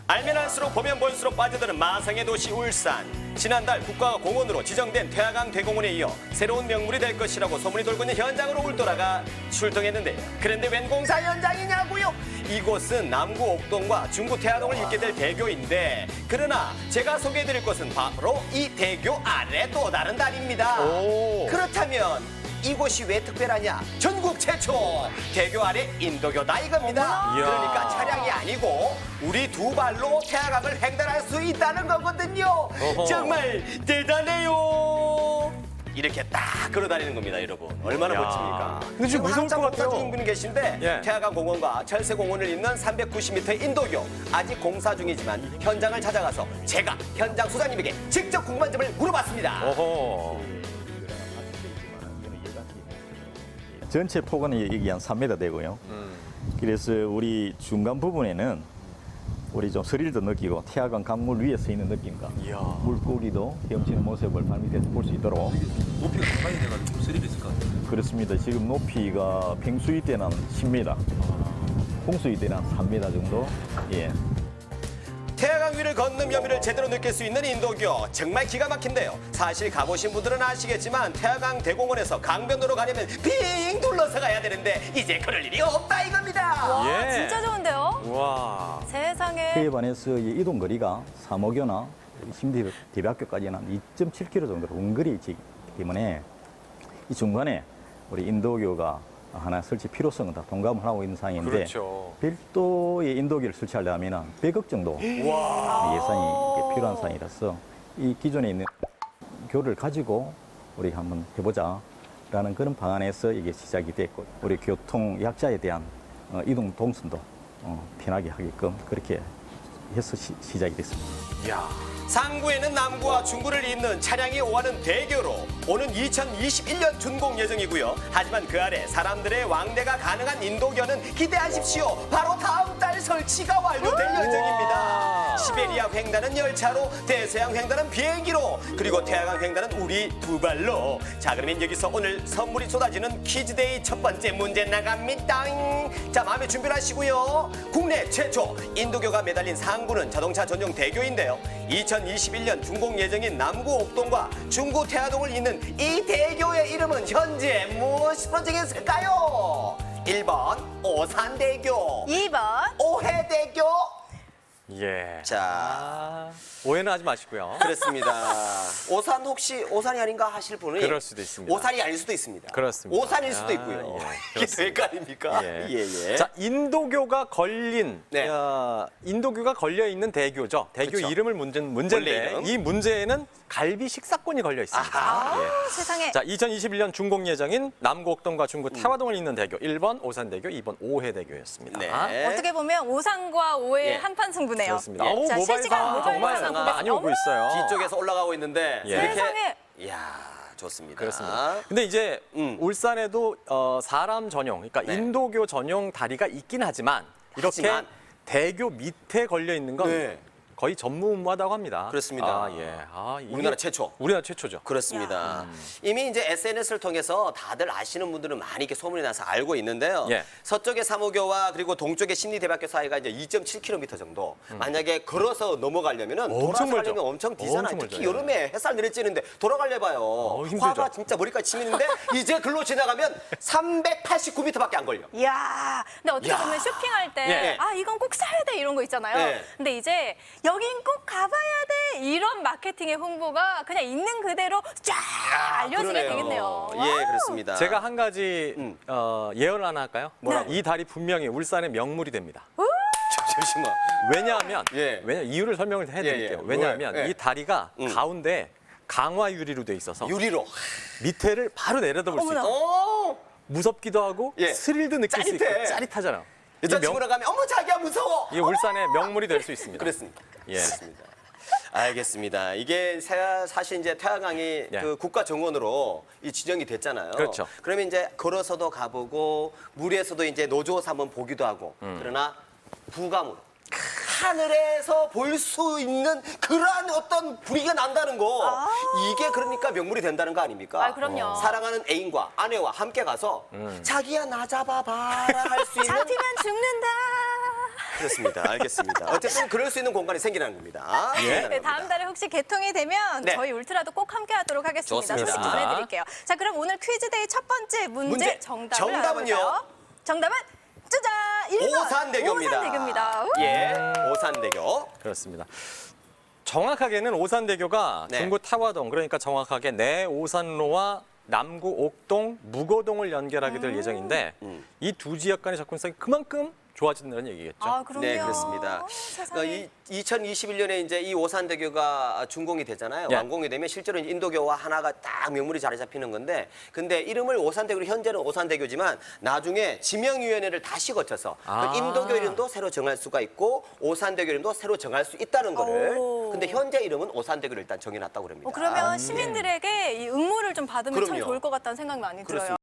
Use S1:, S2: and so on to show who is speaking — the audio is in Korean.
S1: 알면 알수록 보면 볼수록 빠져드는 마상의 도시 울산. 지난달 국가공원으로 지정된 태화강 대공원에 이어 새로운 명물이 될 것이라고 소문이 돌고 있는 현장으로 울돌아가 출동했는데요. 그런데 웬 공사 현장이냐고요? 이곳은 남구 옥동과 중구 태화동을 잇게 될 대교인데, 그러나 제가 소개해드릴 곳은 바로 이 대교 아래 또 다른 다리입니다. 그렇다면 이곳이 왜 특별하냐? 전국 최초 대교 아래 인도교다 이겁니다. 그러니까 차량이 아니고 우리 두 발로 태화강을 횡단할 수 있다는 거거든요. 정말 대단해요. 이렇게 딱 걸어다니는 겁니다, 여러분. 얼마나 멋집니까?
S2: 근데 지금 무서울 것 같아요.
S1: 공사 중인 분이 계신데 태화강 공원과 철새공원을 잇는 390m 인도교 아직 공사 중이지만 현장을 찾아가서 제가 현장 소장님에게 직접 궁금한 점을 물어봤습니다.
S3: 전체 폭은 여기 한 3m 되고요. 그래서 우리 중간 부분에는 우리 좀 스릴도 느끼고 태화강 강물 위에 서 있는 느낌과 물고기도 헤엄치는 모습을 발밑에서 볼 수 있도록.
S4: 높이가 상당히 돼가지고 스릴이 있을 것 같아요.
S3: 그렇습니다. 지금 높이가 평수위 때는 10m, 홍수위 때는 3m 정도. 예.
S1: 태화강 위를 걷는 묘미를 제대로 느낄 수 있는 인도교, 정말 기가 막힌데요. 사실 가보신 분들은 아시겠지만 태화강 대공원에서 강변도로 가려면 빙 둘러서 가야 되는데 이제 그럴 일이 없다 이겁니다.
S5: 와, 진짜 좋은데요?
S2: 와.
S5: 세상에.
S3: 그에 반해서 이 이동 거리가 사모교나 심대대학교까지는 한 2.7km 정도로 원거리 있기 때문에 이 중간에 우리 인도교가 하나 설치 필요성은 다 동감을 하고 있는 상황인데,
S2: 그렇죠.
S3: 별도의 인도교를 설치하려면 100억 정도 예산이 필요한 상황이라서 이 기존에 있는 교를 가지고 우리 한번 해보자라는 그런 방안에서 이게 시작이 됐고, 우리 교통 약자에 대한 이동 동선도 편하게 하게끔 그렇게 해서 시작이 됐습니다.
S1: 상구에는 남구와 중구를 잇는 차량이 오가는 대교로 오는 2021년 준공 예정이고요. 하지만 그 아래 사람들의 왕래가 가능한 인도교는 기대하십시오. 바로 다음 달 설치가 완료될 예정입니다. 시베리아 횡단은 열차로, 대서양 횡단은 비행기로, 그리고 태화강 횡단은 우리 두 발로. 자, 그러면 여기서 오늘 선물이 쏟아지는 퀴즈데이 첫 번째 문제 나갑니다. 자, 마음의 준비를 하시고요. 국내 최초 인도교가 매달린 상구는 자동차 전용 대교인데요. 2021년 준공 예정인 남구 옥동과 중구 태화동을 잇는 이 대교의 이름은 현재 무엇으로 정했을까요? 1번 오산대교,
S5: 2번.
S1: 오해대교.
S2: 예.
S1: 자,
S2: 오해는 하지 마시고요.
S1: 그렇습니다. 오산 혹시 오산이 아닌가 하실 분이
S2: 그럴 수도 있습니다.
S1: 오산이 아닐 수도 있습니다.
S2: 그렇습니다.
S1: 오산일 수도 있고요. 이게 될 거 아닙니까? 예.
S2: 자, 인도교가 걸린,
S1: 네.
S2: 인도교가 걸려 있는 대교죠. 대교
S1: 그렇죠.
S2: 이름을
S1: 원래
S2: 문제인데
S1: 이름?
S2: 이 문제에는 갈비 식사권이 걸려 있습니다. 예.
S5: 세상에.
S2: 자, 2021년 준공 예정인 남구옥동과 중구 태화동을 잇는 대교 1번 오산대교, 2번 오해대교였습니다.
S1: 네.
S5: 어떻게 보면 오산과 오해의
S1: 예.
S5: 한판 승부네요.
S2: 그렇습니다.
S1: 예.
S5: 자, 실시간 모바일
S2: 정말
S5: 상황
S2: 많이 오고
S5: 어머!
S2: 있어요.
S1: 뒤쪽에서 올라가고 있는데
S2: 예.
S1: 이렇게
S5: 세상에.
S1: 이야, 좋습니다.
S2: 그렇습니다. 근데 이제 울산에도 사람 전용, 그러니까
S1: 네.
S2: 인도교 전용 다리가 있긴 하지만 이렇게
S1: 하지만.
S2: 대교 밑에 걸려 있는 건
S1: 네.
S2: 거의 전무후무하다고 합니다.
S1: 그렇습니다.
S2: 이게
S1: 우리나라 최초.
S2: 우리나라 최초죠.
S1: 그렇습니다. 이미 이제 SNS를 통해서 다들 아시는 분들은 많이 이렇게 소문이 나서 알고 있는데요.
S2: 예.
S1: 서쪽의 사모교와 그리고 동쪽의 심리대학교 사이가 이제 2.7km 정도. 만약에 걸어서 넘어가려면은
S2: 엄청
S1: 돌아서
S2: 멀죠.
S1: 가려면 엄청 뒤잖아요.
S2: 엄청
S1: 특히
S2: 멀죠.
S1: 여름에 햇살 내리쬐는데 돌아가려봐요.
S2: 힘들죠.
S1: 화가 진짜 머리까지 치미는데 이제 글로 지나가면 389m밖에 안 걸려.
S5: 이야. 근데 어떻게
S1: 야.
S5: 보면 쇼핑할 때,
S1: 예.
S5: 아, 이건 꼭 사야 돼, 이런 거 있잖아요.
S1: 예.
S5: 근데 이제, 여긴 꼭 가봐야 돼, 이런 마케팅의 홍보가 그냥 있는 그대로 쫙 알려지게
S1: 그러네요.
S5: 되겠네요.
S1: 예,
S5: 와우.
S1: 그렇습니다.
S2: 제가 한 가지 예언을 하나 할까요?
S1: 뭐라고?
S2: 이 다리 분명히 울산의 명물이 됩니다.
S1: 잠시만.
S2: 왜냐하면
S1: 예.
S2: 이유를 설명을 해드릴게요.
S1: 예.
S2: 왜냐하면
S1: 왜? 예.
S2: 이 다리가 가운데 강화 유리로 돼 있어서
S1: 유리로.
S2: 밑에를 바로 내려다볼 수
S5: 어머나.
S2: 있어요.
S1: 오!
S2: 무섭기도 하고
S1: 예.
S2: 스릴도 느낄 수 있고
S1: 짜릿해.
S2: 짜릿하잖아요.
S1: 여자친구랑 가면 어머 자기야 무서워.
S2: 이게 울산의 명물이 될 수 있습니다.
S1: 그랬습니까?
S2: 예.
S1: 그렇습니다. 알겠습니다. 이게 사실 이제 태화강이
S2: 예.
S1: 그 국가 정원으로 이 지정이 됐잖아요.
S2: 그렇죠.
S1: 그러면 이제 걸어서도 가보고 물에서도 이제 노조사 한번 보기도 하고 그러나 부감으로 하늘에서 볼 수 있는 그러한 어떤 분위기가 난다는 거 이게 그러니까 명물이 된다는 거 아닙니까?
S5: 아, 그럼요.
S1: 사랑하는 애인과 아내와 함께 가서 자기야 나 잡아봐라 할 수 있는
S5: 잡히면 죽는다.
S1: 그렇습니다. 알겠습니다. 어쨌든 그럴 수 있는 공간이 생기는 겁니다.
S5: 네, 다음 달에 혹시 개통이 되면
S1: 네.
S5: 저희 울트라도 꼭 함께하도록 하겠습니다.
S1: 좋습니다.
S5: 소식 전해드릴게요. 자, 그럼 오늘 퀴즈데이 첫 번째 문제 정답을
S1: 정답은요?
S5: 알아볼까요? 정답은 짜잔 1번
S1: 오산대교입니다.
S5: 오산대교입니다.
S1: 예, 오산대교.
S2: 그렇습니다. 정확하게는 오산대교가
S1: 네.
S2: 중구 타화동, 그러니까 정확하게 내오산로와 남구 옥동, 무거동을 연결하게 될 예정인데 이 두 지역 간의 접근성이 그만큼 좋아진다는 얘기겠죠.
S5: 아, 그럼요.
S1: 네, 그렇습니다.
S5: 세상에.
S1: 2021년에 이제 이 오산대교가 준공이 되잖아요.
S2: 예.
S1: 완공이 되면 실제로 인도교와 하나가 딱 명물이 자리 잡히는 건데, 근데 이름을 오산대교로 현재는 오산대교지만 나중에 지명위원회를 다시 거쳐서
S2: 아.
S1: 그 인도교 이름도 새로 정할 수가 있고 오산대교 이름도 새로 정할 수 있다는 거를.
S5: 오.
S1: 근데 현재 이름은 오산대교를 일단 정해놨다고 그럽니다.
S5: 그러면 시민들에게 이 응모를 좀 받으면 참
S1: 그럼요.
S5: 좋을 것 같다는 생각이 많이 들어요.
S1: 그렇습니다.